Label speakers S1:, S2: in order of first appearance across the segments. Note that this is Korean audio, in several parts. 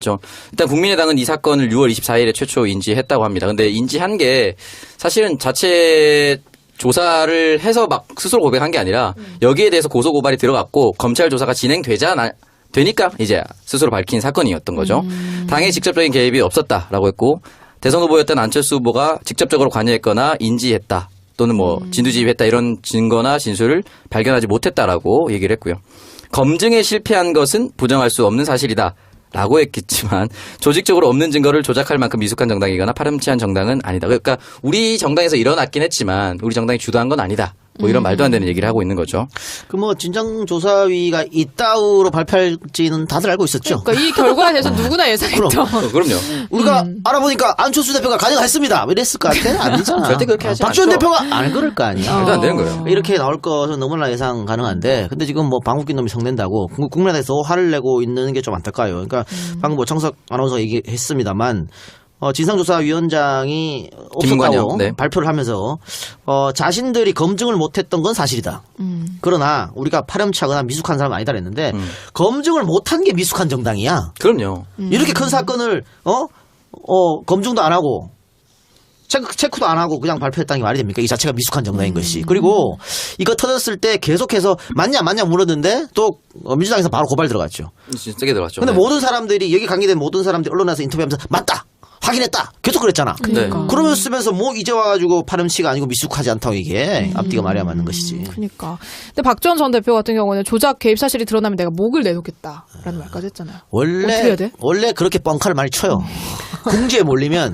S1: 그렇죠. 일단 국민의당은 이 사건을 6월 24일에 최초 인지했다고 합니다. 근데 인지한 게 사실은 자체 조사를 해서 막 스스로 고백한 게 아니라 여기에 대해서 고소 고발이 들어갔고 검찰 조사가 되니까 이제 스스로 밝힌 사건이었던 거죠. 당의 직접적인 개입이 없었다라고 했고 대선 후보였던 안철수 후보가 직접적으로 관여했거나 인지했다 또는 뭐 진두지휘했다 이런 증거나 진술을 발견하지 못했다라고 얘기를 했고요. 검증에 실패한 것은 부정할 수 없는 사실이다. 라고 했겠지만 조직적으로 없는 증거를 조작할 만큼 미숙한 정당이거나 파렴치한 정당은 아니다. 그러니까 우리 정당에서 일어났긴 했지만 우리 정당이 주도한 건 아니다. 뭐 이런 말도 안 되는 얘기를 하고 있는 거죠.
S2: 그 뭐 진상조사위가 이따위로 발표할지는 다들 알고 있었죠.
S3: 그러니까 이 결과에 대해서 누구나 예상했죠.
S1: 그럼요.
S2: 우리가 알아보니까 안철수 대표가 가능했습니다. 이랬을 것 같아? 아니잖아.
S1: 절대 그렇게 하지
S2: 박지원
S1: 않죠.
S2: 대표가 안 그럴 거 아니야.
S1: 말도 안 되는 거예요.
S2: 이렇게 나올 것은 너무나 예상 가능한데 근데 지금 뭐 방귀낀 놈이 성낸다고 국민의당에서 화를 내고 있는 게 좀 안타까워요. 그러니까 방금 뭐 청석 아나운서가 얘기했습니다만 진상조사위원장이 없었다고
S1: 네.
S2: 발표를 하면서 자신들이 검증을 못했던 건 사실이다. 그러나 우리가 파렴치하거나 미숙한 사람은 아니다 그랬는데 검증을 못한 게 미숙한 정당이야.
S1: 그럼요.
S2: 이렇게 큰 사건을 검증도 안 하고 체크도 안 하고 그냥 발표했다는 게 말이 됩니까? 이 자체가 미숙한 정당인 것이. 그리고 이거 터졌을 때 계속해서 맞냐 물었는데 또 민주당에서 바로 고발 들어갔죠.
S1: 진짜 세게 들어갔죠.
S2: 근데
S1: 네.
S2: 모든 사람들이 여기 관계된 모든 사람들이 언론에서 인터뷰하면서 맞다. 확인했다. 계속 그랬잖아.
S3: 그러니까.
S2: 그러면서 쓰면서 뭐 이제 와가지고 파렴치가 아니고 미숙하지 않다고 이게 앞뒤가 말이 안 맞는 것이지.
S3: 그러니까. 근데 박지원 전 대표 같은 경우는 조작 개입 사실이 드러나면 내가 목을 내놓겠다라는 말까지 했잖아요. 어떻게 해야 돼?
S2: 원래 그렇게 뻥카를 많이 쳐요. 공주에 몰리면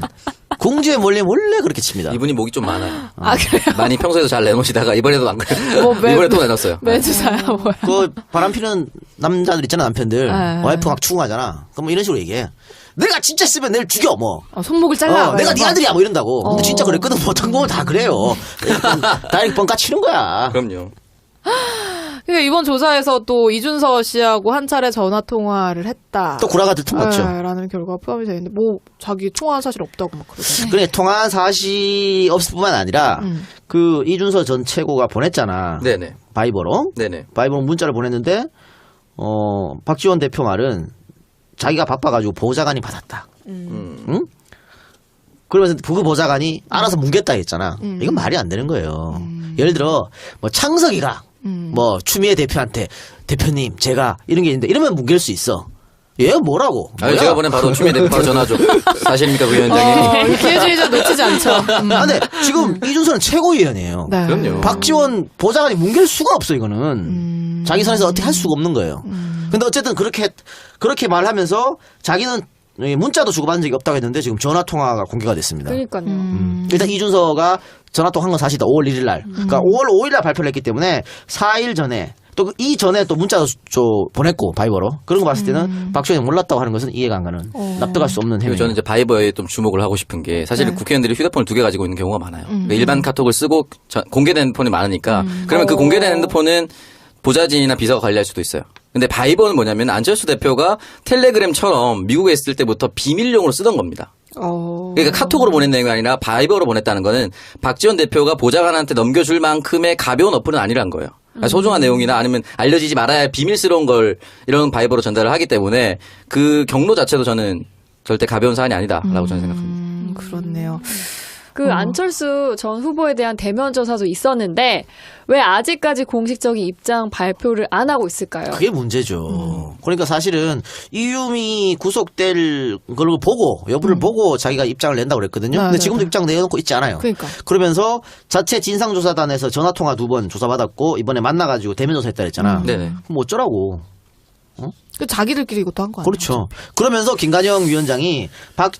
S2: 원래 그렇게 칩니다.
S1: 이분이 목이 좀 많아요.
S3: 아, 그래요?
S1: 많이 평소에도 잘 내놓으시다가 이번에도 안 그래요.
S3: 뭐
S1: 이번에 또 내놨어요.
S3: 매주사야 뭐야.
S2: 그 바람 피는 남자들 있잖아 남편들. 와이프 막 추궁하잖아. 그럼 뭐 이런 식으로 얘기해. 내가 진짜 쓰면 내일 죽여 뭐.
S3: 손목을 잘라.
S2: 내가 네 아들이야 뭐 이런다고. 근데 진짜 그랬거든. 보통 보면 다 그래요. 다이렉트 뻥까 치는 거야.
S1: 그럼요.
S3: 그러니까 이번 조사에서 또 이준서 씨하고 한 차례 전화 통화를 했다.
S2: 또 구라가 들통났죠.
S3: 라는 결과가 포함이 되어 있는데 뭐 자기 통화한 사실 없다고 막 그러더라고요.
S2: 그래 통화한 사실이 없을 뿐만 아니라 그 이준서 전 최고가 보냈잖아.
S1: 네네.
S2: 바이버로.
S1: 네네.
S2: 바이버로 문자를 보냈는데 박지원 대표 말은 자기가 바빠가지고 보좌관이 받았다. 응? 그러면서 그 보좌관이 알아서 뭉갰다 했잖아. 이건 말이 안 되는 거예요. 예를 들어 뭐 창석이가 뭐 추미애 대표한테 대표님 제가 이런 게 있는데 이러면 뭉갤 수 있어. 얘 뭐라고?
S1: 아니, 제가 보낸 바로 추미애 대표 바로 전화죠. 사실입니까 그 위원장님?
S3: 기회주의자 놓치지 않죠.
S2: 근데 지금 이준서는 최고위원이에요.
S3: 네.
S1: 그럼요.
S2: 박지원 보좌관이 뭉갤 수가 없어 이거는. 자기 선에서 어떻게 할 수가 없는 거예요. 근데 어쨌든 그렇게 말하면서 자기는 문자도 주고받은 적이 없다고 했는데 지금 전화 통화가 공개가 됐습니다.
S4: 그러니까요.
S2: 일단 이준서가 전화 통화한 건 사실이다. 5월 1일 날. 그러니까 5월 5일 날 발표를 했기 때문에 4일 전에 또 이전에 또 문자도 보냈고 바이버로 그런 거 봤을 때는 박지원이 몰랐다고 하는 것은 이해가 안 가는 납득할 수 없는
S1: 그리고
S2: 행위.
S1: 저는 이제 바이버에 좀 주목을 하고 싶은 게 사실은 국회의원들이 휴대폰을 2개 가지고 있는 경우가 많아요. 그러니까 일반 카톡을 쓰고 공개된 핸드폰이 많으니까 그러면 그 공개된 핸드폰은 보좌진이나 비서가 관리할 수도 있어요. 근데 바이버는 뭐냐면 안철수 대표가 텔레그램처럼 미국에 있을 때부터 비밀용으로 쓰던 겁니다. 그러니까 카톡으로 보낸 내용이 아니라 바이버로 보냈다는 거는 박지원 대표가 보좌관한테 넘겨줄 만큼의 가벼운 어플은 아니란 거예요. 그러니까 소중한 내용이나 아니면 알려지지 말아야 할 비밀스러운 걸 이런 바이버로 전달을 하기 때문에 그 경로 자체도 저는 절대 가벼운 사안이 아니다라고 저는 생각합니다.
S3: 그렇네요.
S4: 그 안철수 전 후보에 대한 대면 조사도 있었는데 왜 아직까지 공식적인 입장 발표를 안 하고 있을까요?
S2: 그게 문제죠. 그러니까 사실은 이유미 구속될 걸 보고 여부를 보고 자기가 입장을 낸다고 그랬거든요. 근데 지금도 입장 내놓고 있지 않아요.
S3: 그러니까.
S2: 그러면서 자체 진상조사단에서 전화통화 2번 조사받았고 이번에 만나가지고 대면 조사했다 그랬잖아.
S1: 네네.
S2: 그럼 어쩌라고.
S3: 그 자기들끼리 이것도 한 거 아니에요?
S2: 그렇죠. 그러면서 김관영 위원장이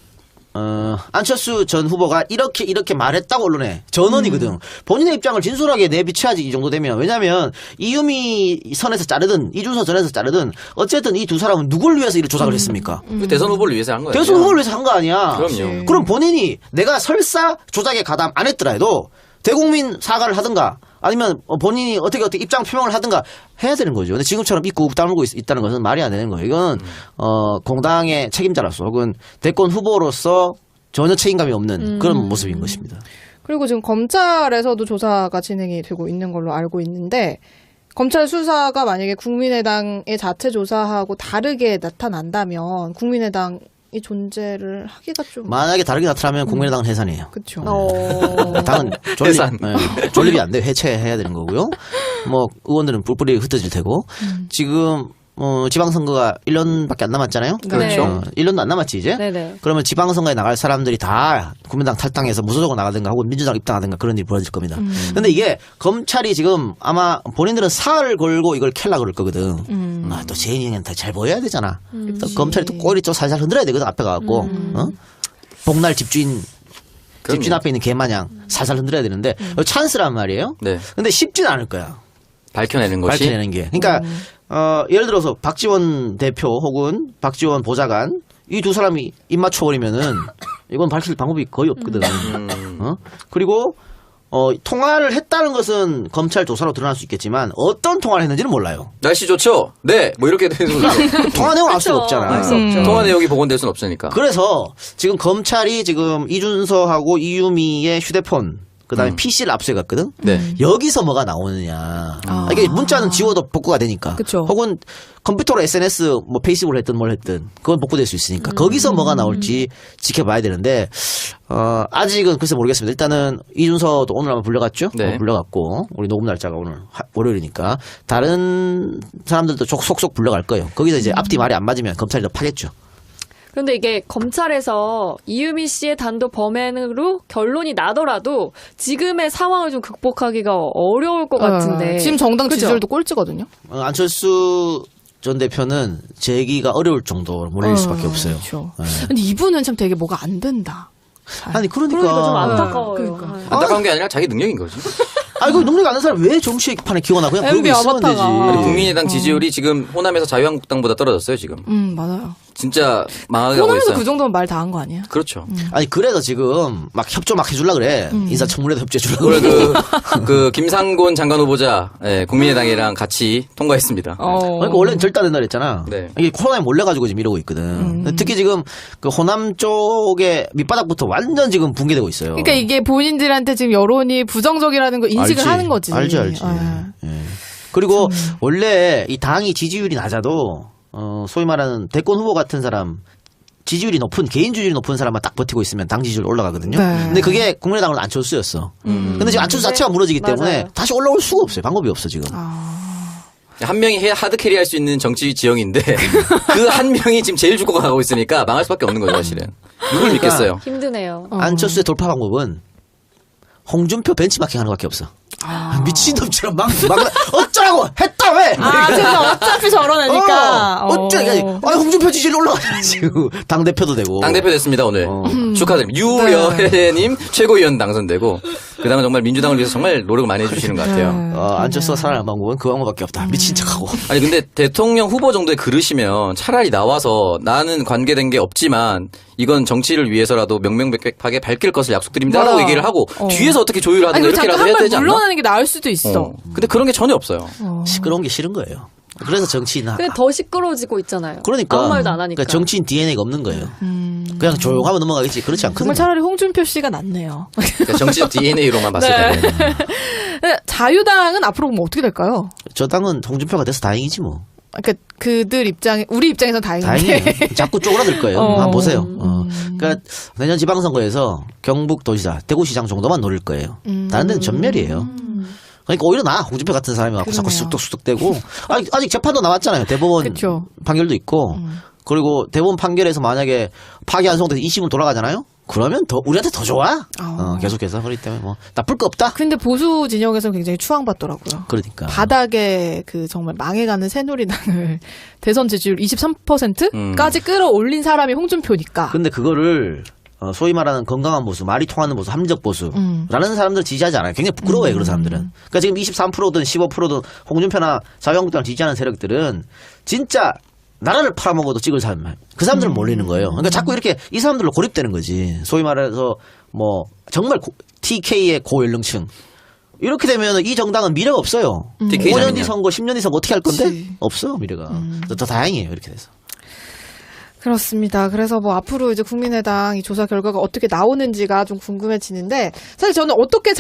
S2: 안철수 전 후보가 이렇게 말했다고 언론에 전원이거든. 본인의 입장을 진솔하게 내비쳐야지 이 정도 되면. 왜냐하면 이유미 선에서 자르든 이준서 전에서 자르든 어쨌든 이 두 사람은 누굴 위해서 이를 조작을 했습니까?
S1: 대선 후보를 위해서 한 거예요.
S2: 대선 후보를 위해서 한 거 아니야.
S1: 그럼요.
S2: 그럼 본인이 내가 설사 조작에 가담 안 했더라도 대국민 사과를 하든가 아니면 본인이 어떻게 입장 표명을 하든가 해야 되는 거죠. 근데 지금처럼 입고 다물고 있다는 것은 말이 안 되는 거예요. 이건 공당의 책임자로서 혹은 대권 후보로서 전혀 책임감이 없는 그런 모습인 것입니다.
S3: 그리고 지금 검찰에서도 조사가 진행이 되고 있는 걸로 알고 있는데 검찰 수사가 만약에 국민의당의 자체 조사하고 다르게 나타난다면 국민의당이 존재를 하기가 좀
S2: 만약에 다르게 나타나면 국민의당은 해산이에요.
S3: 그렇죠.
S2: 당은 존립,
S1: 해산.
S2: 존립이 안 돼요. 해체해야 되는 거고요. 뭐 의원들은 뿔뿔이 흩어질 테고 지금 지방선거가 1년밖에 안 남았잖아요.
S4: 그렇죠.
S2: 1년도 안 남았지 이제.
S4: 네네.
S2: 그러면 지방선거에 나갈 사람들이 다 국민당 탈당해서 무소속으로 나가든가 혹은 민주당 입당하든가 그런 일이 벌어질 겁니다. 근데 이게 검찰이 지금 아마 본인들은 사활을 걸고 이걸 캘라 그럴 거거든. 또 재인이한테 잘 보여야 되잖아. 또 검찰이 또 꼬리 좀 살살 흔들어야 되거든 앞에 가갖고. 복날 집주인 앞에 있는 개 마냥 살살 흔들어야 되는데 찬스란 말이에요.
S1: 네.
S2: 근데 쉽지는 않을 거야.
S1: 밝혀내는 것이.
S2: 밝혀내는 게. 그러니까 예를 들어서 박지원 대표 혹은 박지원 보좌관 이 두 사람이 입 맞춰버리면은 이건 밝힐 방법이 거의 없거든. 그리고 통화를 했다는 것은 검찰 조사로 드러날 수 있겠지만 어떤 통화를 했는지는 몰라요.
S1: 날씨 좋죠? 네. 뭐 이렇게 되는 거죠.
S2: 그 통화 내용 알 수가 없잖아.
S4: 알 수 없죠.
S1: 통화 내역이 복원될 수는 없으니까.
S2: 그래서 지금 검찰이 지금 이준서하고 이유미의 휴대폰 그다음에 PC를 압수해갔거든.
S1: 네.
S2: 여기서 뭐가 나오느냐. 이게 문자는 지워도 복구가 되니까.
S3: 그쵸.
S2: 혹은 컴퓨터로 SNS 뭐 페이스북을 했든 뭘 했든 그건 복구될 수 있으니까 거기서 뭐가 나올지 지켜봐야 되는데 아직은 글쎄 모르겠습니다. 일단은 이준서도 오늘 아마 불려갔죠.
S1: 네.
S2: 불려갔고 우리 녹음 날짜가 오늘 월요일이니까 다른 사람들도 속속 불려갈 거예요. 거기서 이제 앞뒤 말이 안 맞으면 검찰이 더 파겠죠.
S4: 그런데 이게 검찰에서 이유미 씨의 단독 범행으로 결론이 나더라도 지금의 상황을 좀 극복하기가 어려울 것 같은데.
S3: 지금 정당
S4: 그죠?
S3: 지지율도 꼴찌거든요.
S2: 안철수 전 대표는 재기가 어려울 정도로 몰릴 수밖에 없어요.
S3: 그렇죠.
S2: 네.
S3: 근데 이분은 참 되게 뭐가 안 된다.
S2: 아니 그러니까
S4: 좀 안타까워요.
S3: 그러니까.
S1: 안타까운 게 아니라 자기 능력인 거지.
S2: 아이고 능력 아는 사람 왜 정치판에 기원하 그냥 그러고
S3: MB
S2: 있으면 되지.
S3: 아바타가.
S1: 국민의당 지지율이 지금 호남에서 자유한국당보다 떨어졌어요, 지금.
S3: 맞아요.
S1: 진짜 망하게 하고
S3: 호남에서
S1: 있어요.
S3: 그 정도면 말 다 한 거 아니에요?
S1: 그렇죠.
S2: 아니 그래서 지금 막 협조 막 해줄라 그래. 인사청문회도 협조해줄라
S1: 오늘
S2: 그래.
S1: 그 김상곤 장관 후보자 국민의당이랑 같이 통과했습니다.
S2: 그러니까 원래는 절단된 날 했잖아.
S1: 네.
S2: 이게 코로나에 몰려가지고 지금 이러고 있거든. 특히 지금 그 호남 쪽에 밑바닥부터 완전 지금 붕괴되고 있어요.
S3: 그러니까 이게 본인들한테 지금 여론이 부정적이라는 거 인식을
S2: 알지.
S3: 하는 거지.
S2: 알지.
S3: 예.
S2: 예. 그리고 원래 이 당이 지지율이 낮아도 소위 말하는 대권 후보 같은 사람 지지율이 높은 개인 지지율이 높은 사람만 딱 버티고 있으면 당 지지율 올라가거든요.
S3: 네.
S2: 근데 그게 국민의당은 안철수였어. 근데 지금 안철수 자체가 무너지기 때문에
S4: 맞아요.
S2: 다시 올라올 수가 없어요. 방법이 없어 지금.
S1: 한 명이 하드캐리 할 수 있는 정치 지형인데 그 한 명이 지금 제일 죽고 가고 있으니까 망할 수밖에 없는 거죠, 사실은. 누굴 믿겠어요?
S4: 힘드네요.
S2: 안철수의 돌파 방법은 홍준표 벤치마킹 하는 것밖에 없어. 미친놈처럼 막 어쩌라고 했다 왜?
S3: 제가 어차피 저러니까.
S2: 어쩌라고 홍준표 지지율 올라가지고 당 대표도 되고.
S1: 당대표 됐습니다, 오늘. 축하드립니다. 유여혜님 최고위원 당선되고 그 당은 정말 민주당을 위해서 정말 노력을 많이 해주시는 것 같아요.
S2: 안철수가 살아남은 방법은 그 방법밖에 없다. 미친 척하고.
S1: 아니 근데 대통령 후보 정도의 그릇이면 차라리 나와서 나는 관계된 게 없지만 이건 정치를 위해서라도 명명백백하게 밝힐 것을 약속드립니다라고
S3: 맞아.
S1: 얘기를 하고 뒤에서 어떻게 조율을 하든가
S3: 아니, 잠깐
S1: 이렇게라도 해야
S3: 한번
S1: 되지 않나?
S3: 물러나는 게 나을 수도 있어.
S1: 근데 그런 게 전혀 없어요.
S2: 시끄러운 게 싫은 거예요. 그래서 정치인
S4: 근데 더 시끄러워지고 있잖아요.
S2: 그러니까
S4: 아무 말도 안 하니까.
S2: 그러니까 정치인 DNA가 없는 거예요. 그냥 조용하면 넘어가겠지. 그렇지 않거든요.
S3: 정말 차라리 홍준표 씨가 낫네요.
S1: 그러니까 정치적 DNA로만 봤을
S3: 네.
S1: 때.
S3: 자유당은 앞으로 보면 어떻게 될까요?
S2: 저 당은 홍준표가 돼서 다행이지 뭐.
S3: 그러니까 그들 입장에 우리 입장에선 다행인데.
S2: 다행이에요. 자꾸 쪼그라들 거예요. 한번 보세요. 그러니까 내년 지방선거에서 경북도지사, 대구시장 정도만 노릴 거예요. 다른 데는 전멸이에요. 그러니까 오히려 홍준표 같은 사람이 와서 자꾸
S3: 그러네요.
S2: 쑥덕쑥덕대고 아직 재판도 남았잖아요. 대법원
S3: 그쵸.
S2: 판결도 있고 그리고 대법원 판결에서 만약에 파기 환송돼서 2심으로 돌아가잖아요. 그러면 우리한테 더 좋아. 계속해서 그렇기 때문에 뭐 나쁠 거 없다.
S3: 근데 보수 진영에서는 굉장히 추앙받더라고요.
S2: 그러니까
S3: 바닥에 그 정말 망해가는 새누리당을 대선 지지율 23%까지 끌어올린 사람이 홍준표니까.
S2: 근데 그거를 소위 말하는 건강한 보수, 말이 통하는 보수, 합리적 보수라는 사람들을 지지하지 않아요. 굉장히 부끄러워요, 그런 사람들은. 그러니까 지금 23%든 15%든 홍준표나 자유한국당을 지지하는 세력들은 진짜 나라를 팔아먹어도 찍을 사람, 그 사람들은 몰리는 거예요. 그러니까 자꾸 이렇게 이 사람들로 고립되는 거지. 소위 말해서 뭐 정말 TK의 고연령층. 이렇게 되면 이 정당은 미래가 없어요.
S1: TK
S2: 5년 뒤
S1: 자면요.
S2: 선거, 10년 뒤 선거 어떻게 할 건데?
S3: 그치.
S2: 없어, 미래가. 더 다행이에요, 이렇게 돼서.
S3: 그렇습니다. 그래서 뭐 앞으로 이제 국민의당 이 조사 결과가 어떻게 나오는지가 좀 궁금해지는데 사실 저는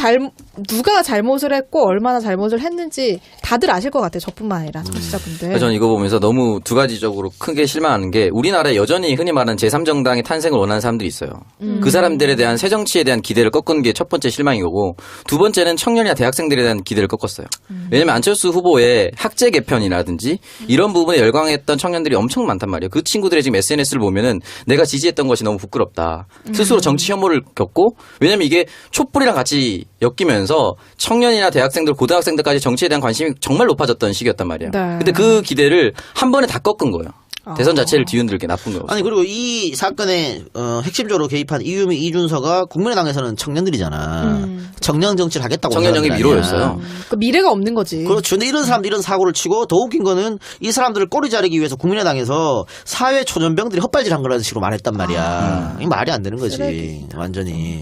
S3: 누가 잘못을 했고 얼마나 잘못을 했는지 다들 아실 것 같아요. 저뿐만 아니라 청취자분들.
S1: 그래서 저는 이거 보면서 너무 두 가지적으로 크게 실망하는 게 우리나라에 여전히 흔히 말하는 제3정당의 탄생을 원하는 사람들이 있어요. 그 사람들에 대한 새 정치에 대한 기대를 꺾은 게 첫 번째 실망인 거고 두 번째는 청년이나 대학생들에 대한 기대를 꺾었어요. 왜냐면 안철수 후보의 학제 개편이라든지 이런 부분에 열광했던 청년들이 엄청 많단 말이에요. 그 친구들의 지금 SNS를 보면은 내가 지지했던 것이 너무 부끄럽다. 스스로 정치 혐오를 겪고 왜냐면 이게 촛불이랑 같이 엮이면서 청년이나 대학생들, 고등학생들까지 정치에 대한 관심이 정말 높아졌던 시기였단 말이에요.
S3: 네.
S1: 근데 그 기대를 한 번에 다 꺾은 거예요. 대선 자체를 뒤흔들게 나쁜 거예요.
S2: 아니 그리고 이 사건에 핵심적으로 개입한 이유미 이준서가 국민의당에서는 청년들이잖아. 청년 정치를 하겠다고
S1: 청년정의
S2: 하는 사람들
S1: 미로였어요.
S2: 아니야.
S3: 그 미래가 없는 거지.
S2: 그렇죠. 근데 이런 사람들 이런 사고를 치고 더 웃긴 거는 이 사람들을 꼬리 자르기 위해서 국민의당에서 사회 초년병들이 헛발질한 거라는 식으로 말했단 말이야. 이게 말이 안 되는 거지.
S3: 쓰레기.
S2: 완전히.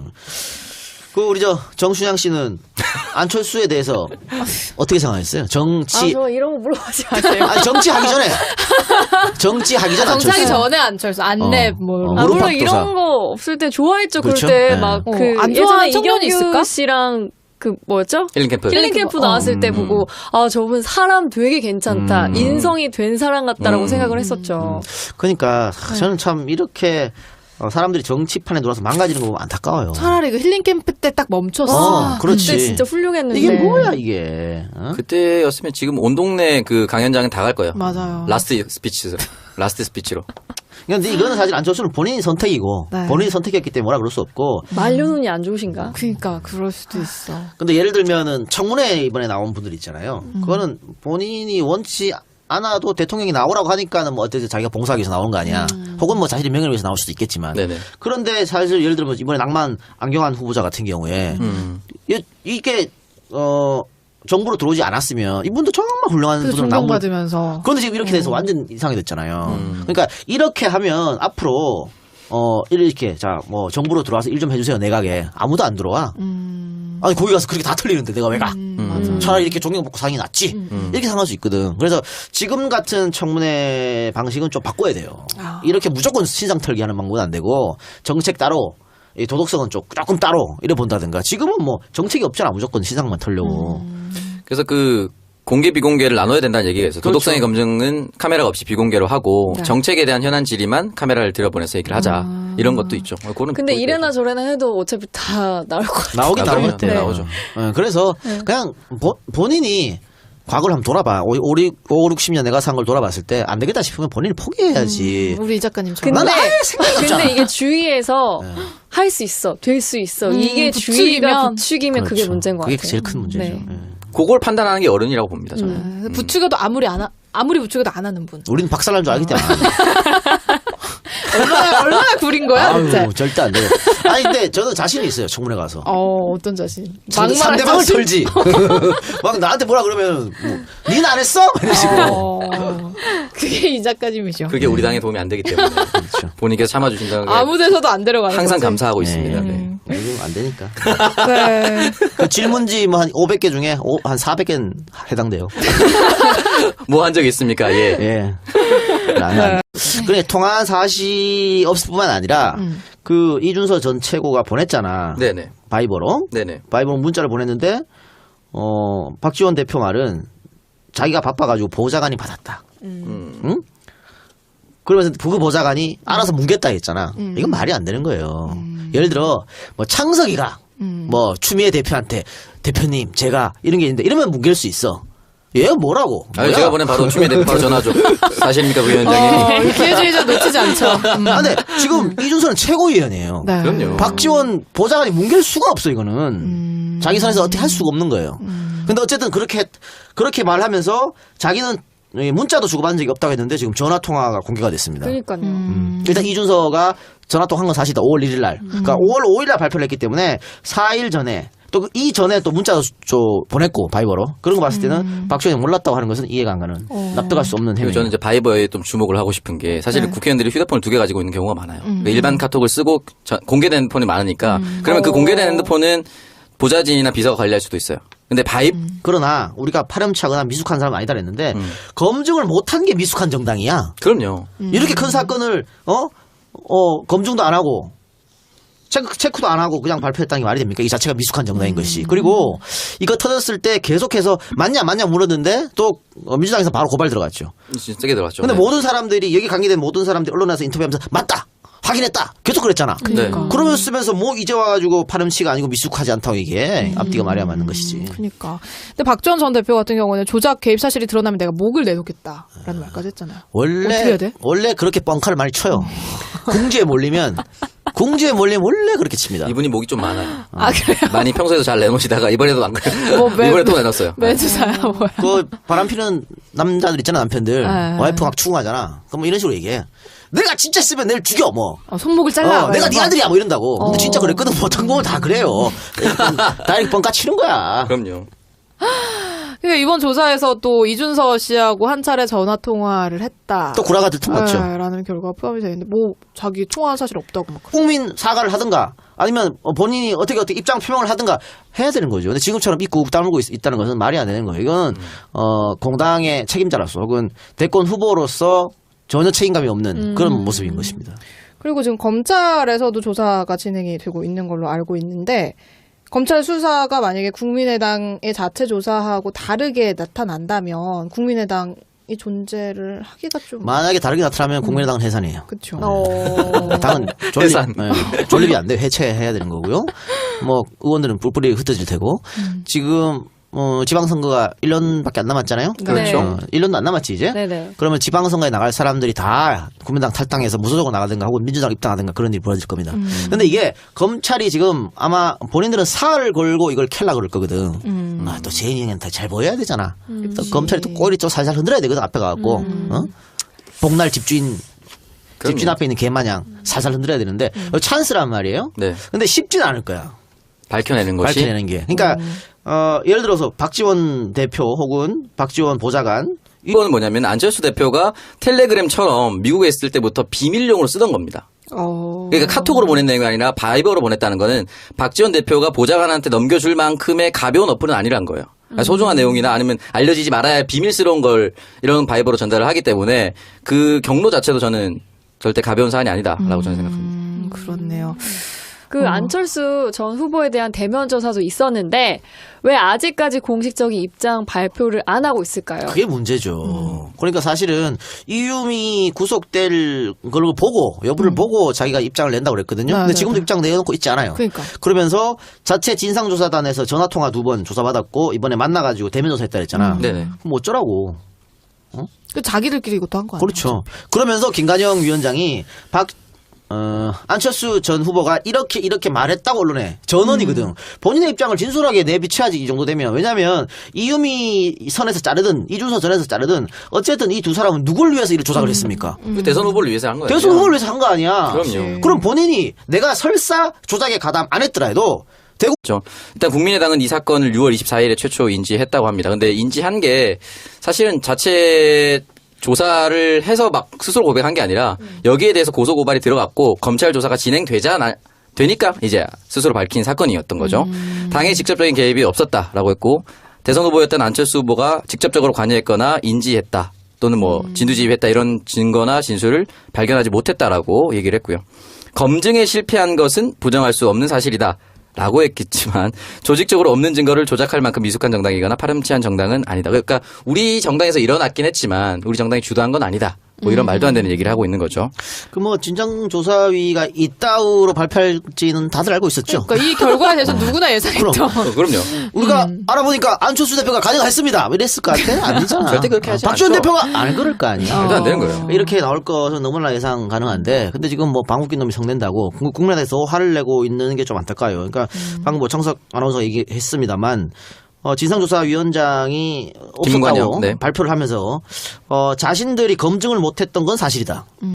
S2: 그 우리 정순양 씨는 안철수에 대해서 어떻게 생각했어요? 정치
S4: 저 이런 거 물어보지 마세요.
S2: 아니 정치하기 전에 정치하기 전 안철수.
S3: 정치하기 전에 안철수, 안랩 뭐.
S2: 무릎
S4: 물론
S2: 박도사.
S4: 이런 거 없을 때 좋아했죠.
S2: 그렇죠?
S4: 그럴 때
S2: 네.
S4: 막 그
S3: 안
S4: 예전에
S3: 좋아하는 청년이
S4: 이경규
S3: 있을까?
S4: 씨랑 그 뭐였죠?
S1: 힐링 캠프.
S4: 힐링 캠프 나왔을 때 보고 저분 사람 되게 괜찮다. 인성이 된 사람 같다라고 생각을 했었죠.
S2: 그러니까 저는 참 이렇게 사람들이 정치판에 들어와서 망가지는 거 보면 안타까워요.
S3: 차라리 그 힐링 캠프 때 딱 멈췄어.
S2: 그렇지.
S4: 그때 진짜 훌륭했는데.
S2: 이게 뭐야 이게? 어?
S1: 그때였으면 지금 온 동네 그 강연장은 다 갈 거예요.
S3: 맞아요.
S1: 라스트 스피치로.
S2: 근데 이거는 사실 안철수는 본인의 선택이고
S3: 네.
S2: 본인의 선택이었기 때문에 뭐라 그럴 수 없고.
S4: 말려눈이 안 좋으신가?
S3: 그러니까 그럴 수도 있어.
S2: 근데 예를 들면은 청문회 이번에 나온 분들 있잖아요. 그거는 본인이 원치 않아도 대통령이 나오라고 하니까는 뭐 어때서 자기가 봉사하기 위해서 나온 거 아니야. 혹은 뭐 자신의 명예를 위해서 나올 수도 있겠지만.
S1: 네네.
S2: 그런데 사실 예를 들면 이번에 낭만 안경환 후보자 같은 경우에 이게 정부로 들어오지 않았으면 이분도 정말 훌륭한
S3: 그래서
S2: 분으로 나온 거.
S3: 존경받으면서.
S2: 그런데 지금 이렇게 돼서 완전 이상이 됐잖아요. 그러니까 이렇게 하면 앞으로 이렇게 자 뭐 정부로 들어와서 일 좀 해주세요 내각에 아무도 안 들어와. 아니 거기 가서 그렇게 다 틀리는데 내가 왜 가? 차라리 이렇게 존경받고 사는 게 낫지. 이렇게 생각할 수 있거든. 그래서 지금 같은 청문회 방식은 좀 바꿔야 돼요. 이렇게 무조건 신상 털기 하는 방법은 안 되고 정책 따로 이 도덕성은 조금 따로 이래 본다든가. 지금은 뭐 정책이 없잖아 무조건 신상만 털려고.
S1: 그래서 그 공개 비공개를 나눠야 된다는 얘기가 있어요. 도덕성의 검증은 카메라가 없이 비공개로 하고
S3: 네.
S1: 정책에 대한 현안 질의만 카메라를 들여보내서 얘기를 하자. 이런 것도 있죠. 그거는
S4: 근데
S1: 보이죠.
S4: 이래나 저래나 해도 어차피 다 나올 것 같아요.
S2: 나오긴 나올 것
S1: 그럼요.
S2: 같아요.
S1: 네, 나오죠.
S2: 그래서 그냥 본인이 과거를 한번 돌아봐. 5, 60년 내가 산 걸 돌아봤을 때 안 되겠다 싶으면 본인이 포기해야지.
S3: 우리 이 작가님처럼.
S2: 나는 아예 생각이 없잖아.
S4: 근데 이게 주위에서 할 수 있어, 될 수 있어. 이게 주위가 부추기면 그게
S2: 그렇죠.
S4: 문제인 것
S2: 그게
S4: 같아요.
S2: 제일 큰 문제죠.
S4: 네.
S2: 예.
S1: 그걸 판단하는 게 어른이라고 봅니다. 저는.
S3: 부추겨도 아무리 부추겨도 안 하는 분.
S2: 우리는 박살난 줄 알기 때문에. 안 해요.
S3: 얼마나 구린 거야, 대체?
S2: 아유, 절대 안 돼요. 아니, 근데 저는 자신이 있어요, 청문회 가서.
S3: 어떤 자신?
S2: 상대방을 털지. 막 나한테 뭐라 그러면, 니는 안 했어? 이런 식으로.
S3: 그게 이 작가님이죠.
S1: 그게 우리 당에 도움이 안 되기 때문에
S2: 그렇죠.
S1: 본인께서 참아주신다는 게
S3: 아무 데서도 안 데려가는
S1: 항상
S3: 거지.
S1: 감사하고 있습니다. 네.
S2: 요즘 안 되니까.
S3: 네.
S2: 그 질문지 뭐 한 500개 중에 한 400개는 해당돼요.
S1: 뭐 한 적 있습니까? 예.
S2: 예. 그래, 통화한 사실이 없을 뿐만 아니라, 그 이준서 전 최고가 보냈잖아.
S1: 네네.
S2: 바이버로.
S1: 네네.
S2: 바이버로 문자를 보냈는데, 박지원 대표 말은 자기가 바빠가지고 보좌관이 받았다. 응? 그러면서 그 보좌관이 알아서 뭉갰다 했잖아. 이건 말이 안 되는 거예요. 예를 들어, 뭐 창석이가, 뭐 추미애 대표한테, 대표님, 제가 이런 게 있는데, 이러면 뭉갤 수 있어. 얘가 뭐라고?
S1: 아니,
S2: 뭐야?
S1: 제가 보낸 바로 추미애 대표 바로 전화죠. 사실입니까, 부위원장님?
S3: 기회주의자 놓치지 않죠.
S2: 아, 근데 지금 이준서는 최고위원이에요.
S3: 네.
S1: 그럼요.
S2: 박지원 보좌관이 뭉갤 수가 없어, 이거는. 자기 선에서 어떻게 할 수가 없는 거예요. 근데 어쨌든 그렇게 말하면서 자기는 문자도 주고받은 적이 없다고 했는데 지금 전화통화가 공개가 됐습니다.
S4: 그러니까요.
S2: 일단 이준서가 전화통화한 건 사실이다. 5월 1일 날. 그러니까 5월 5일 날 발표를 했기 때문에 4일 전에 또 이전에 또 문자도 보냈고 바이버로 그런 거 봤을 때는 박지원이 몰랐다고 하는 것은 이해가 안 가는 납득할 수 없는
S1: 그리고
S2: 행위.
S1: 저는 이제 바이버에 좀 주목을 하고 싶은 게 사실 국회의원들이 휴대폰을 2개 가지고 있는 경우가 많아요. 그러니까 일반 카톡을 쓰고 공개된 핸드폰이 많으니까 그러면 그 공개된 핸드폰은 보좌진이나 비서가 관리할 수도 있어요. 근데
S2: 그러나 우리가 파렴치하거나 미숙한 사람 아니다 그랬는데 검증을 못한 게 미숙한 정당이야.
S1: 그럼요.
S2: 이렇게 큰 사건을 검증도 안 하고 체크도 안 하고 그냥 발표했다는 게 말이 됩니까? 이 자체가 미숙한 정당인 것이. 그리고 이거 터졌을 때 계속해서 맞냐 물었는데 또 민주당에서 바로 고발 들어갔죠.
S1: 진짜 세게 들어갔죠.
S2: 근데
S1: 네.
S2: 모든 사람들이 여기 관계된 모든 사람들이 언론에서 인터뷰하면서 맞다. 확인했다. 계속 그랬잖아.
S3: 그러니까.
S2: 그러면서 쓰면서 뭐 이제 와가지고 파렴치가 아니고 미숙하지 않다고 이게 앞뒤가 말이야 맞는 것이지.
S3: 그러니까. 근데 박지원 전 대표 같은 경우는 조작 개입 사실이 드러나면 내가 목을 내놓겠다라는 말까지 했잖아요. 어떻게 해야 돼?
S2: 원래 그렇게 뻥카를 많이 쳐요. 공주에 몰리면 원래 그렇게 칩니다.
S1: 이분이 목이 좀 많아요.
S3: 아, 그래요?
S1: 많이 평소에도 잘 내놓으시다가 이번에도 안 그래요.
S3: 뭐
S1: 이번에 또 내놨어요.
S3: 매주사야 뭐야?
S2: 그 바람 피는 남자들 있잖아 남편들.
S3: 네.
S2: 와이프 막 추궁하잖아. 그럼 뭐 이런 식으로 얘기해. 내가 진짜 쓰면 내일 죽여 뭐.
S3: 손목을 잘라.
S2: 내가 네
S3: 이러면서.
S2: 아들이야 뭐 이런다고. 근데 진짜 그랬거든. 뭐 어떤 거면 다 그래요. 다이렉트 뻥까 치는 거야.
S1: 그럼요.
S3: 그러니까 이번 조사에서 또 이준서 씨하고 한 차례 전화 통화를 했다.
S2: 또 구라가 들통났죠.
S3: 라는 결과가 포함이 되어 있는데 뭐 자기 통화한 사실 없다고 막.
S2: 국민 사과를 하든가 아니면 본인이 어떻게 입장 표명을 하든가 해야 되는 거죠. 근데 지금처럼 입고 다물고 있다는 것은 말이 안 되는 거예요. 이건 공당의 책임자로서 혹은 대권 후보로서 전혀 책임감이 없는 그런 모습인 것입니다.
S3: 그리고 지금 검찰에서도 조사가 진행이 되고 있는 걸로 알고 있는데 검찰 수사가 만약에 국민의당의 자체 조사하고 다르게 나타난다면 국민의당이 존재를 하기가 좀
S2: 만약에 다르게 나타나면 국민의당은 해산이에요.
S3: 그렇죠.
S2: 당은
S1: 해산.
S2: 존립이 안 돼. 해체해야 되는 거고요. 뭐 의원들은 뿔뿔이 흩어질 테고 지금 지방선거가 1년밖에 안 남았잖아요.
S4: 그렇죠.
S2: 1년도 안 남았지 이제.
S4: 네네.
S2: 그러면 지방선거에 나갈 사람들이 다 국민당 탈당해서 무소속으로 나가든가 혹은 민주당 입당하든가 그런 일이 벌어질 겁니다. 근데 이게 검찰이 지금 아마 본인들은 사활을 걸고 이걸 캘라 그럴 거거든. 또 재인이한테 잘 보여야 되잖아. 또 검찰이 또 꼬리 좀 살살 흔들어야 되거든 앞에 가갖고. 복날 집주인 앞에 있는 개 마냥 살살 흔들어야 되는데 찬스란 말이에요.
S1: 네.
S2: 근데 쉽진 않을 거야.
S1: 밝혀내는 것이.
S2: 밝혀내는 게. 그러니까 예를 들어서 박지원 대표 혹은 박지원 보좌관
S1: 이거는 뭐냐면 안철수 대표가 텔레그램처럼 미국에 있을 때부터 비밀용으로 쓰던 겁니다. 그러니까 카톡으로 보낸 내용이 아니라 바이버로 보냈다는 거는 박지원 대표가 보좌관한테 넘겨줄 만큼의 가벼운 어플은 아니란 거예요. 그러니까 소중한 내용이나 아니면 알려지지 말아야 할 비밀스러운 걸 이런 바이버로 전달을 하기 때문에 그 경로 자체도 저는 절대 가벼운 사안이 아니다라고 저는 생각합니다.
S3: 그렇네요.
S4: 그 안철수 전 후보에 대한 대면 조사도 있었는데 왜 아직까지 공식적인 입장 발표를 안 하고 있을까요?
S2: 그게 문제죠. 그러니까 사실은 이유미 구속될 걸 보고 여부를 보고 자기가 입장을 낸다고 그랬거든요. 근데 지금도 입장 내놓고 있지 않아요.
S3: 그러니까.
S2: 그러면서 자체 진상조사단에서 전화통화 2번 조사받았고 이번에 만나가지고 대면 조사했다 그랬잖아.
S1: 네네.
S2: 그럼 어쩌라고.
S3: 그 자기들끼리 이것도 한 거 아니에요?
S2: 그렇죠. 그러면서 김관영 위원장이 안철수 전 후보가 이렇게 말했다고 언론에 전원이거든. 본인의 입장을 진솔하게 내비쳐야지 이 정도 되면. 왜냐하면 이유미 선에서 자르든 이준서 전에서 자르든 어쨌든 이 두 사람은 누굴 위해서 이를 조작을 했습니까?
S1: 대선 후보를 위해서 한 거예요.
S2: 대선 후보를 위해서 한 거 아니야.
S1: 그럼요.
S2: 그럼 본인이 내가 설사 조작에 가담 안 했더라도 대구
S1: 그렇죠. 일단 국민의당은 이 사건을 6월 24일에 최초 인지했다고 합니다. 근데 인지한 게 사실은 자체 조사를 해서 막 스스로 고백한 게 아니라 여기에 대해서 고소 고발이 들어갔고 검찰 조사가 되니까 이제 스스로 밝힌 사건이었던 거죠. 당의 직접적인 개입이 없었다라고 했고 대선 후보였던 안철수 후보가 직접적으로 관여했거나 인지했다 또는 뭐 진두지휘했다 이런 증거나 진술을 발견하지 못했다라고 얘기를 했고요. 검증에 실패한 것은 부정할 수 없는 사실이다. 라고 했겠지만 조직적으로 없는 증거를 조작할 만큼 미숙한 정당이거나 파렴치한 정당은 아니다. 그러니까 우리 정당에서 일어났긴 했지만 우리 정당이 주도한 건 아니다. 뭐 이런 말도 안 되는 얘기를 하고 있는 거죠.
S2: 그 뭐 진상조사위가 이따위로 발표할지는 다들 알고 있었죠.
S3: 그러니까 이 결과에 대해서 누구나 예상했죠.
S1: 그럼요.
S2: 우리가 알아보니까 안철수 대표가 가능했습니다. 이랬을 것 같아? 아니잖아.
S1: 절대 그렇게 하지
S2: 박지원
S1: 않죠.
S2: 대표가 안 그럴 거 아니야.
S1: 말도 안 되는 거예요.
S2: 이렇게 나올 것은 너무나 예상 가능한데, 근데 지금 뭐 방귀 낀 놈이 성낸다고 국민의당에서 화를 내고 있는 게 좀 안타까워요. 그러니까 방금 뭐 청석 아나운서가 얘기했습니다만, 진상조사위원장이 없었다고
S1: 김관영, 네.
S2: 발표를 하면서 자신들이 검증을 못했던 건 사실이다.